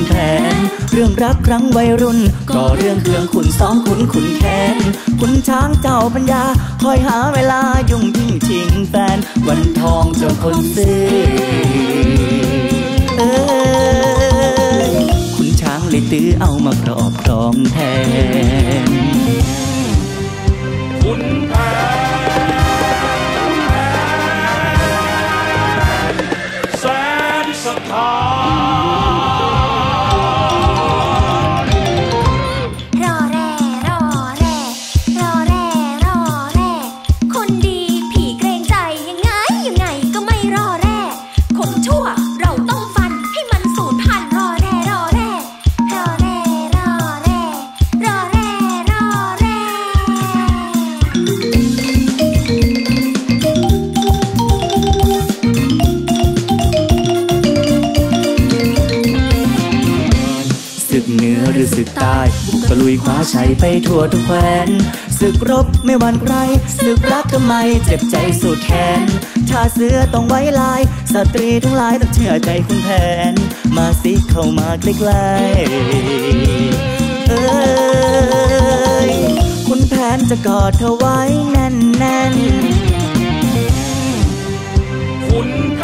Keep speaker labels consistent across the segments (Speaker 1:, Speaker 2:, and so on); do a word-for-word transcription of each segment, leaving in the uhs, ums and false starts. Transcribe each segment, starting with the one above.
Speaker 1: แผนเรื่องรักครั้งวัยรุ่นก็เรื่องเครื่องขุนซ้อมขุนขุนแค้นขุนช้างเจ้าปัญญาคอยหาเวลายุ่งยิ่งชิงแฟนวันทองเจ้าคนซื้อเอ้ยขุนช้างเลยตื้อเอามาครอบครองแทน
Speaker 2: ขุนแผนแสนสถาน
Speaker 3: รอแร่รอแร่รอแร่รอแร่คนดีผีเกรงใจยังไงยังไงก็ไม่รอแร่คนชั่วเราต้องฟันให้มันสูญพันธุ์รอแร่รอแร่รอแร่รอแร่รอแร่รอแร่
Speaker 1: ศึกเหนือหรือศึกใต้บุกตะลุยคว้าชัยไปทั่วทุกแคว้นศึกรบไม่หวั่นใครศึกรักทำไมเจ็บใจสุดแขนชาเสือต้องไว้ลายสตรีทั้งหลายต้องเชื่อใจคุณแผนมาสิเข้ามาใกล้ๆเอ้ยคุณแผนจะกอดเธอไว้แน่นๆ
Speaker 2: ขุนแผ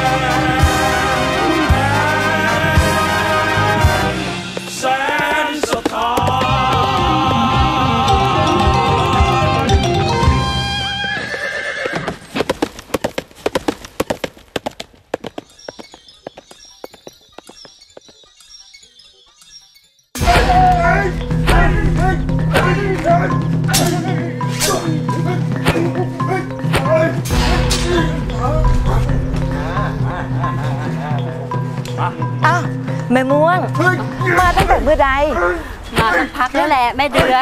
Speaker 2: นแสนสถาน
Speaker 4: อ้าวแม่ม่วงมาตั้งแต่เมื่อใด
Speaker 5: มาสักพักแล้วแหละแม่เดือน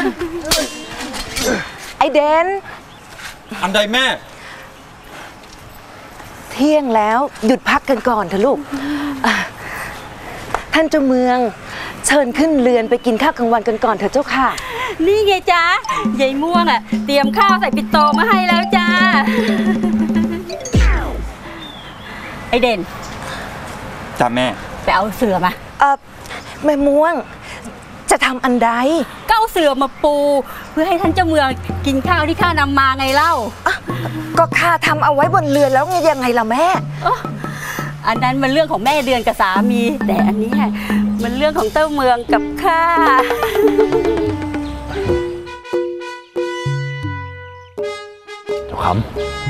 Speaker 4: ไอเดน
Speaker 2: อันใดแม่
Speaker 4: เที่ยงแล้วหยุดพักกันก่อนเถอะลูกท่านเจ้าเมืองเชิญขึ้นเรือนไปกินข้าวกลางวันกันก่อนเถอะเจ้าค่ะ
Speaker 5: นี่ไงจ๊ะยายม่วงอ่ะเตรียมข้าวใส่ปิ่นโตมาให้แล้วจ้าไอเด่น
Speaker 2: จ้าแม่
Speaker 5: ไปเอาเสือมา
Speaker 4: เออแม่ม่วงจะทำอันใด
Speaker 5: ก็เอาเสือมาปูเพื่อให้ท่านเจ้าเมืองกินข้าวที่ข้านำมาไงเล่า
Speaker 4: ก็ข้าทำเอาไว้บนเรือนแล้วไงยังไงล่ะแม่
Speaker 5: อันนั้นมันเรื่องของแม่เดือนกับสามีแต่อันนี้มันเรื่องของเจ้าเมืองกับข้า
Speaker 6: เจ้าคำ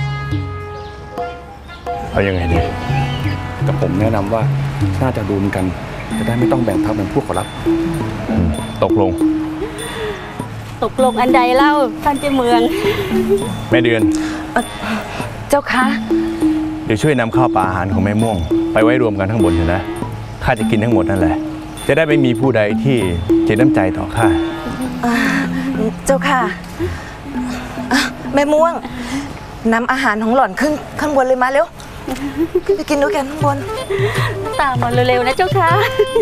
Speaker 6: เอายังไงดี
Speaker 7: แต่ผมแนะนำว่าน่าจะรวมกันจะได้ไม่ต้องแบ่งพักเป็นพวกขอรับ
Speaker 6: ตกลง
Speaker 5: ตกลงอันใดเล่าท่านเจ้าเมือง
Speaker 6: แม่เดือน
Speaker 4: เจ้าคะ
Speaker 6: เดี๋ยวช่วยนำข้าวปลาอาหารของแม่ม่วงไปไว้รวมกันข้างบนเถอะนะข้าจะกินทั้งหมดนั่นแหละจะได้ไม่มีผู้ใดที่เจ็บน้ำใจต่อข้า
Speaker 4: เจ้าค่ะแม่ม่วงนำอาหารของหล่อนขึ้นข้างบนเลยมาเร็วไปกินด้วยกันข้างบน
Speaker 5: ตามมาเร็วๆนะเจ้าค่ะ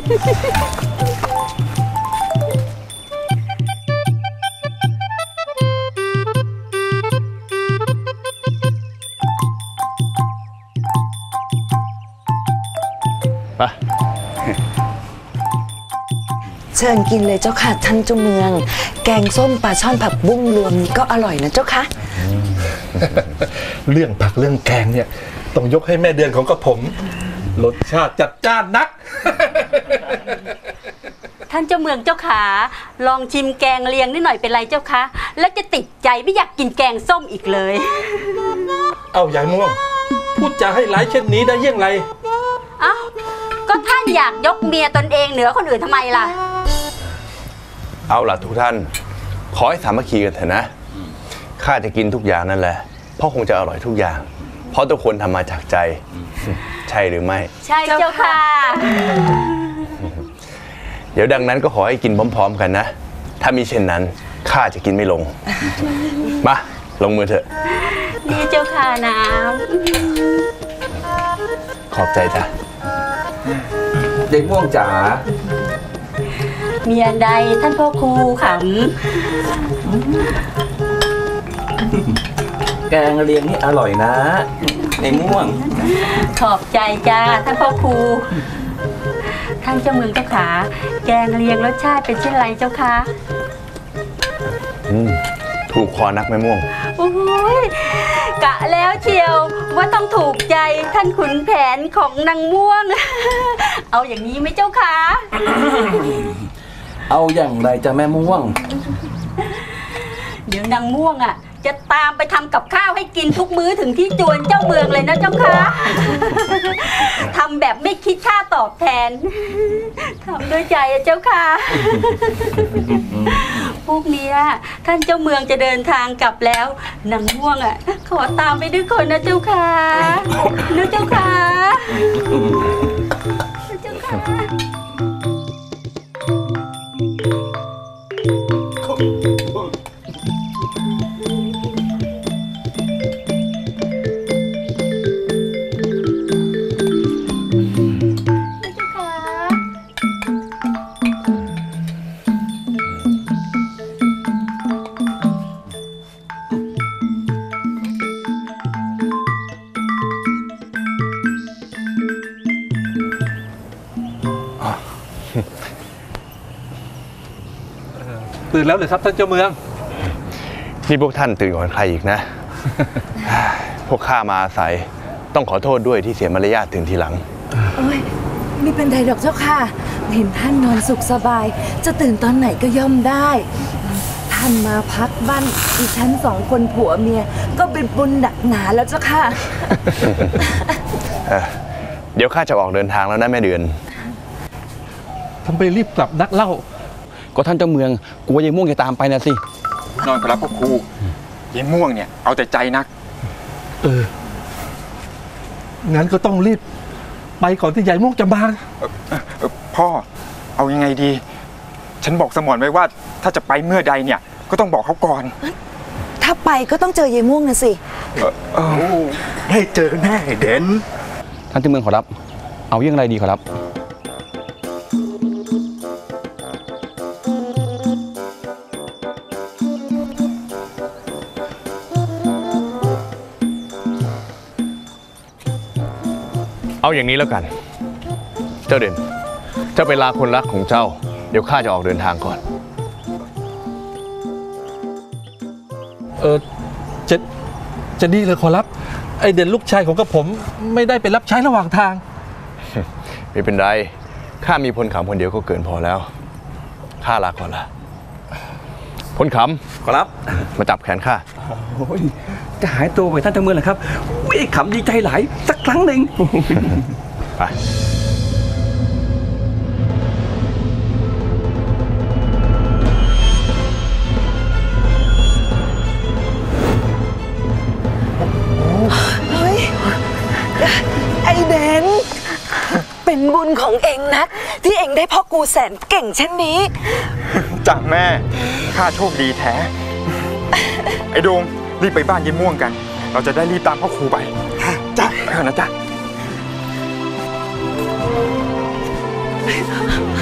Speaker 6: ไป
Speaker 4: เชิญกินเลยเจ้าค่ะท่านเจ้าเมืองแกงส้มปลาช่อนผักบุ้งรวมก็อร่อยนะเจ้าค่ะ
Speaker 7: เรื่องผักเรื่องแกงเนี่ยต้องยกให้แม่เดือนของกระผมรสชาติจัดจ้านนัก
Speaker 5: ท่านเจ้าเมืองเจ้าขาลองชิมแกงเลียงนิดหน่อยเป็นไรเจ้าคะแล้วจะติดใจไม่อยากกินแกงส้มอีกเลย
Speaker 7: เอายายม่วงพูดจาให้ร้ายเช่นนี้ได้ยังไง
Speaker 5: เอ้าก็ท่านอยากยกเมียตนเองเหนือคนอื่นทำไมล่ะ
Speaker 6: เอาล่ะทุกท่านขอให้สามัคคีกันเถอะนะข้าจะกินทุกอย่างนั่นแหละเพราะคงจะอร่อยทุกอย่างเพราะทุกคนทำมาจากใจใช่หรือไม่
Speaker 5: ใช่เจ้าค่ะ
Speaker 6: เดี๋ยวดังนั้นก็ขอให้กินพร้อมๆกันนะถ้ามีเช่นนั้นข้าจะกินไม่ลงมาลงมือเถอะ
Speaker 5: นี่เจ้าค่ะน้
Speaker 6: ำขอบใจจ้ะ
Speaker 7: เด็กม่วงจ๋า
Speaker 5: มีอันใดท่านพ่อครูขำ
Speaker 7: แกงเลียงนี่อร่อยนะในม่วง
Speaker 5: ขอบใจจ้าท่านพ่อครูทท่านเจ้าเมืองเจ้าขาแกงเลียงรสชาติเป็นเช่นไรเจ้าคะ
Speaker 6: อืมถูกคอนักแม่ม่วง
Speaker 5: โอ้ยกะแล้วเชียวว่าต้องถูกใจท่านขุนแผนของนางม่วงเอาอย่างนี้ไหมเจ้าคะ
Speaker 7: เอาอย่างไรจะแม่ม่วง
Speaker 5: เดี๋ยวนางม่วงอ่ะจะตามไปทำกับข้าวให้กินทุกมื้อถึงที่จวนเจ้าเมืองเลยนะเจ้าคะทำแบบไม่คิดค่าตอบแทนทำด้วยใจอะเจ้าค่ะพวกนี้ท่านเจ้าเมืองจะเดินทางกลับแล้วนางม่วงอ่ะขอตามไปด้วยคนนะเจ้าค่ะนะเจ้าค่ะเจ้าค่ะ
Speaker 7: ตื่นแล้วเลยครับท่านเจ้าเมือง
Speaker 6: นี่พวกท่านตื่นก่อนใครอีกนะ พวกข้ามาอาศัยต้องขอโทษด้วยที่เสียมารยาทตื่นทีหลัง
Speaker 4: โอ้ยไม่เป็นไรดอกเจ้าค่ะเห็นท่านนอนสุขสบายจะตื่นตอนไหนก็ย่อมได้ท่านมาพักบ้านดิฉันสองคนผัวเมียก็เป็นบุญหนักหนาแล้วเจ้าค่ะ
Speaker 6: เดี๋ยวข้าจะออกเดินทางแล้วนะแม่เดือน
Speaker 7: ทำไปรีบกลับนักเล่า
Speaker 8: ก็ท่านเจ้าเมืองกลัวยายม่วงจะตามไปนะสิ
Speaker 2: นอนครับพ่อครูยายม่วงเนี่ยเอาแต่ใจนัก
Speaker 7: เอองั้นก็ต้องรีบไปก่อนที่ยายม่วงจะมา
Speaker 2: พ่อเอายังไงดีฉันบอกสมรไว้ว่าถ้าจะไปเมื่อใดเนี่ยก็ต้องบอกเขาก่อน
Speaker 4: ถ้าไปก็ต้องเจอยายม่วงนะสิ
Speaker 2: ได้เจอแน่เด่น
Speaker 8: ท่านเจ้าเมืองขอรับเอาอย่างไรดีขอรับ
Speaker 6: เอาอย่างนี้แล้วกันเจ้าเด่นเจ้าไปลาคนรักของเจ้าเดี๋ยวข้าจะออกเดินทางก่อน
Speaker 7: เออจะจะดีเลยขอรับไอเด่นลูกชายของกระผมไม่ได้ไปรับใช้ระหว่างทาง
Speaker 6: ไม่เป็นไรข้ามีพลขำคนเดียวก็เกินพอแล้วข้าลาก่อนละพลขำ
Speaker 8: ขอรับ
Speaker 6: มาจับแขนข้า
Speaker 8: จะหายตัวไปท่านเจ้าเมืองเหรอครับวิ่งขำดีใจหลายสักครั้งหนึ่ง
Speaker 6: ไป
Speaker 4: เฮ้ยไอเดนเป็นบุญของเองนะที่เองได้พ่อกูแสนเก่งเช่นนี้
Speaker 2: จากแม่ข้าโชคดีแท้ไอ้โดมรีบไปบ้านยายม่วงกันเราจะได้รีบตามพ่อครูไปจ้ะไปก่อนนะจ๊ะ